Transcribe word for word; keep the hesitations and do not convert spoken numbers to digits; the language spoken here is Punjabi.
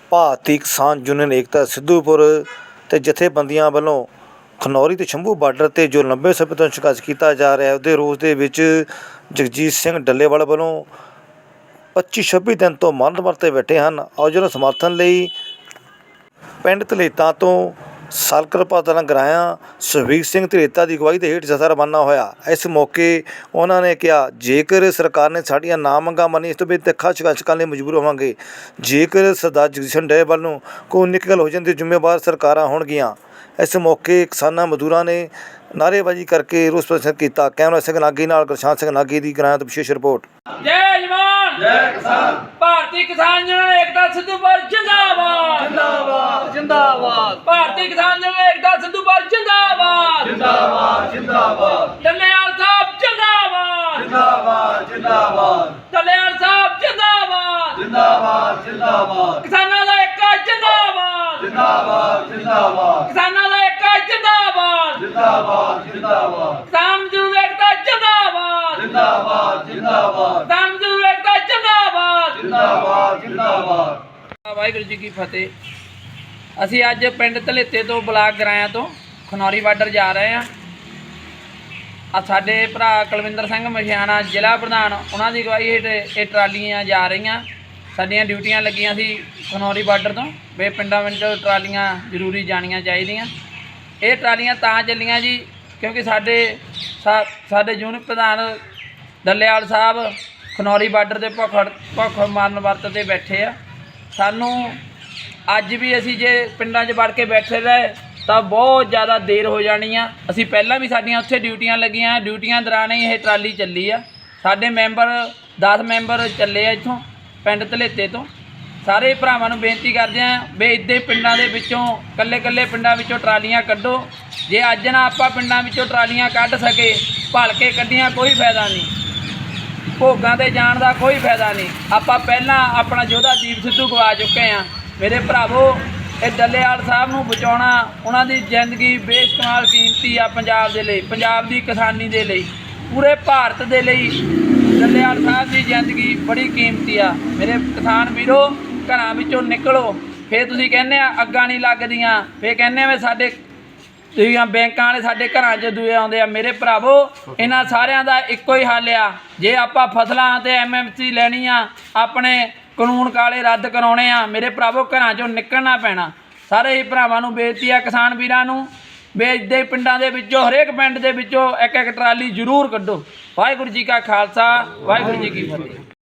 ਭਾਰਤੀ ਕਿਸਾਨ ਯੂਨੀਅਨ ਏਕਤਾ ਸਿੱਧੂਪੁਰ ਤੇ ਜਥੇਬੰਦੀਆਂ ਵੱਲੋਂ ਖਨੌਰੀ ਤੇ ਸ਼ੰਭੂ ਬਾਰਡਰ ਤੇ ਜੋ ਲੰਬੇ ਸਮੇਂ ਤੋਂ ਸੰਘਰਸ਼ ਕੀਤਾ ਜਾ ਰਿਹਾ ਉਹਦੇ ਰੋਸ ਦੇ ਵਿੱਚ ਜਗਜੀਤ ਸਿੰਘ ਡੱਲੇਵਾਲ ਵੱਲੋਂ ਪੱਚੀ ਛੱਬੀ ਦਿਨ ਤੋਂ ਮਰਨ ਵਰਤ ਤੇ ਬੈਠੇ ਹਨ। ਔਰ ਜਿਹਨਾਂ ਸਮਰਥਨ ਲਈ ਪਿੰਡ ਧਲੇਤਾ ਤੋਂ ਸਾਲਕਰ ਪਾਤਲਾਂ ਗਰਾਇਆ ਸੁਖਬੀਰ ਸਿੰਘ ਧਲੇਤਾ ਦੀ ਅਗਵਾਈ ਦੇ ਹੇਠ ਜਥਾ ਰਵਾਨਾ ਹੋਇਆ। ਇਸ ਮੌਕੇ ਉਹਨਾਂ ਨੇ ਕਿਹਾ, ਜੇਕਰ ਸਰਕਾਰ ਨੇ ਸਾਡੀਆਂ ਨਾ ਮੰਗਾਂ ਮੰਨੀ ਇਸ ਤੋਂ ਬਾਅਦ ਤਿੱਖਾ ਸੰਘਰਸ਼ ਕਰਨ ਲਈ ਮਜਬੂਰ ਹੋਵਾਂਗੇ। ਜੇਕਰ ਸਰਦਾਰ ਜਗਜੀਤ ਸਿੰਘ ਡੱਲੇਵਾਲ ਨੂੰ ਕੋਈ ਨਿਕਲ ਹੋ ਜਾਂਦੀ ਜ਼ਿੰਮੇਵਾਰ ਸਰਕਾਰਾਂ ਹੋਣਗੀਆਂ। ਇਸ ਮੌਕੇ ਕਿਸਾਨਾਂ ਮਜ਼ਦੂਰਾਂ ਨੇ ਨਾਅਰੇਬਾਜ਼ੀ ਕਰਕੇ ਰੋਸ ਪ੍ਰਦਰਸ਼ਨ ਕੀਤਾ। ਕੈਮਰਾ ਸਿੰਘ ਨਾਗੀ ਨਾਲ ਗੁਰਸ਼ਾਨ ਸਿੰਘ ਨਾਗੀ ਦੀ ਗਰਾਇਆ ਤੋਂ ਵਿਸ਼ੇਸ਼ ਰਿਪੋਰਟ। ਜੈ ਜਵਾਨ ਜੈ ਕਿਸਾਨ। ਭਾਰਤੀ ਕਿਸਾਨ ਯੂਨੀਅਨ ਏਕਤਾ ਸਿੱਧੂਪੁਰ ਜਿੰਦਾਬਾਦ ਜਿੰਦਾਬਾਦ ਜਿੰਦਾਬਾਦ। ਭਾਰਤੀ ਕਿਸਾਨ ਯੂਨੀਅਨ ਏਕਤਾ ਸਿੱਧੂਪੁਰ ਜਿੰਦਾਬਾਦ ਜਿੰਦਾਬਾਦ ਜਿੰਦਾਬਾਦ। ਡੱਲੇਵਾਲ ਸਾਹਿਬ ਜਿੰਦਾਬਾਦ ਜਿੰਦਾਬਾਦ ਜਿੰਦਾਬਾਦ। ਡੱਲੇਵਾਲ ਸਾਹਿਬ ਜਿੰਦਾਬਾਦ ਜਿੰਦਾਬਾਦ ਜਿੰਦਾਬਾਦ। ਕਿਸਾਨਾਂ ਦਾ ਏਕਾ ਜਿੰਦਾਬਾਦ ਜਿੰਦਾਬਾਦ ਜਿੰਦਾਬਾਦ। ਕਿਸਾਨਾਂ ਦਾ ਏਕਾ ਜਿੰਦਾਬਾਦ ਜਿੰਦਾਬਾਦ ਜਿੰਦਾਬਾਦ। ਕਿਸਾਨ ਮਜ਼ਦੂਰ ਏਕਤਾ ਜਿੰਦਾਬਾਦ ਜਿੰਦਾਬਾਦ ਜਿੰਦਾਬਾਦ। ਕਿਸਾਨ ਮਜ਼ਦੂਰ ਏਕਤਾ ਜਿੰਦਾਬਾਦ ਜਿੰਦਾਬਾਦ ਜਿੰਦਾਬਾਦ। ਵਾਹਿਗੁਰੂ ਜੀ ਕੀ ਫਤਿਹ। ਅਸੀਂ ਅੱਜ ਪਿੰਡ ਧਲੇਤੇ ਤੋਂ ਬਲਾਕ ਗਰਾਇਆ ਤੋਂ ਖਨੌਰੀ ਬਾਰਡਰ ਜਾ ਰਹੇ ਹਾਂ। ਆ ਸਾਡੇ ਭਰਾ ਕੁਲਵਿੰਦਰ ਸਿੰਘ ਮਸ਼ਿਆਣਾ ਜ਼ਿਲ੍ਹਾ ਪ੍ਰਧਾਨ, ਉਹਨਾਂ ਦੀ ਅਗਵਾਈ ਹੇਠ ਇਹ ਟਰਾਲੀਆਂ ਜਾ ਰਹੀਆਂ। ਸਾਡੀਆਂ ਡਿਊਟੀਆਂ ਲੱਗੀਆਂ ਸੀ ਖਨੌਰੀ ਬਾਰਡਰ ਤੋਂ ਵੀ ਪਿੰਡਾਂ ਵਿੱਚ ਟਰਾਲੀਆਂ ਜ਼ਰੂਰੀ ਜਾਣੀਆਂ ਚਾਹੀਦੀਆਂ। ਇਹ ਟਰਾਲੀਆਂ ਤਾਂ ਚੱਲੀਆਂ ਜੀ ਕਿਉਂਕਿ ਸਾਡੇ ਸਾ ਸਾਡੇ ਯੂਨਿਟ ਪ੍ਰਧਾਨ ਡੱਲੇਵਾਲ ਸਾਹਿਬ ਖਨੌਰੀ ਬਾਰਡਰ 'ਤੇ ਭੁੱਖ ਭੁੱਖ ਮਾਰਨ ਵਰਤ 'ਤੇ ਬੈਠੇ ਆ। ਸਾਨੂੰ ਅੱਜ ਵੀ ਅਸੀਂ ਜੇ ਪਿੰਡਾਂ 'ਚ ਵੜ ਕੇ ਬੈਠੇ ਰਹੇ ਤਾਂ ਬਹੁਤ ਜ਼ਿਆਦਾ ਦੇਰ ਹੋ ਜਾਣੀ ਆ। ਅਸੀਂ ਪਹਿਲਾਂ ਵੀ ਸਾਡੀਆਂ ਉੱਥੇ ਡਿਊਟੀਆਂ ਲੱਗੀਆਂ, ਡਿਊਟੀਆਂ ਦੌਰਾਨ ਹੀ ਇਹ ਟਰਾਲੀ ਚੱਲੀ ਆ। ਸਾਡੇ ਮੈਂਬਰ ਦਸ ਮੈਂਬਰ ਚੱਲੇ ਆ ਇੱਥੋਂ ਪਿੰਡ ਧਲੇਤੇ ਤੋਂ। ਸਾਰੇ ਭਰਾਵਾਂ ਨੂੰ ਬੇਨਤੀ ਕਰਦੇ ਹਾਂ ਵੀ ਇੱਦਾਂ ਹੀ ਪਿੰਡਾਂ ਦੇ ਵਿੱਚੋਂ ਇਕੱਲੇ ਇਕੱਲੇ ਪਿੰਡਾਂ ਵਿੱਚੋਂ ਟਰਾਲੀਆਂ ਕੱਢੋ। ਜੇ ਅੱਜ ਨਾ ਆਪਾਂ ਪਿੰਡਾਂ ਵਿੱਚੋਂ ਟਰਾਲੀਆਂ ਕੱਢ ਸਕੇ, ਭਲ ਕੇ ਕੱਢੀਆਂ ਕੋਈ ਫਾਇਦਾ ਨਹੀਂ, ਭੋਗਾਂ 'ਤੇ ਜਾਣ ਦਾ ਕੋਈ ਫਾਇਦਾ ਨਹੀਂ। ਆਪਾਂ ਪਹਿਲਾਂ ਆਪਣਾ ਯੋਧਾ ਦੀਪ ਸਿੱਧੂ ਗਵਾ ਚੁੱਕੇ ਹਾਂ। ਮੇਰੇ ਭਰਾਵੋ, ਇਹ ਡੱਲੇਵਾਲ ਸਾਹਿਬ ਨੂੰ ਬਚਾਉਣਾ, ਉਹਨਾਂ ਦੀ ਜ਼ਿੰਦਗੀ ਬੇਸ਼ੁਮਾਰ ਕੀਮਤੀ ਆ ਪੰਜਾਬ ਦੇ ਲਈ, ਪੰਜਾਬ ਦੀ ਕਿਸਾਨੀ ਦੇ ਲਈ, ਪੂਰੇ ਭਾਰਤ ਦੇ ਲਈ ਡੱਲੇਵਾਲ ਸਾਹਿਬ ਦੀ ਜ਼ਿੰਦਗੀ ਬੜੀ ਕੀਮਤੀ ਆ। ਮੇਰੇ ਕਿਸਾਨ ਵੀਰੋ, ਘਰਾਂ ਵਿੱਚੋਂ ਨਿਕਲੋ। ਫਿਰ ਤੁਸੀਂ ਕਹਿੰਦੇ ਆ ਅੱਗਾਂ ਨਹੀਂ ਲੱਗਦੀਆਂ, ਫਿਰ ਕਹਿੰਦੇ ਆ ਵੀ ਸਾਡੇ ਤੁਸੀਂ ਬੈਂਕਾਂ ਵਾਲੇ ਸਾਡੇ ਘਰਾਂ 'ਚ ਦੂਏ ਆਉਂਦੇ ਆ। ਮੇਰੇ ਭਰਾਵੋ, ਇਹਨਾਂ ਸਾਰਿਆਂ ਦਾ ਇੱਕੋ ਹੀ ਹੱਲ ਆ। ਜੇ ਆਪਾਂ ਫਸਲਾਂ 'ਤੇ ਐਮ ਐਮ ਸੀ ਲੈਣੀ ਆ, ਆਪਣੇ ਕਾਨੂੰਨ ਕਾਲੇ ਰੱਦ ਕਰਾਉਣੇ ਆ, ਮੇਰੇ ਭਰਾਵੋ ਘਰਾਂ 'ਚੋਂ ਨਿਕਲਣਾ ਪੈਣਾ। ਸਾਰੇ ਹੀ ਭਰਾਵਾਂ ਨੂੰ ਬੇਨਤੀ ਆ, ਕਿਸਾਨ ਵੀਰਾਂ ਨੂੰ, ਵੀ ਇੱਦਾਂ ਹੀ ਪਿੰਡਾਂ ਦੇ ਵਿੱਚੋਂ ਹਰੇਕ ਪਿੰਡ ਦੇ ਵਿੱਚੋਂ ਇੱਕ ਇੱਕ ਟਰਾਲੀ ਜ਼ਰੂਰ ਕੱਢੋ। ਵਾਹਿਗੁਰੂ ਜੀ ਕਾ ਖਾਲਸਾ, ਵਾਹਿਗੁਰੂ ਜੀ ਕੀ ਫਤਿਹ।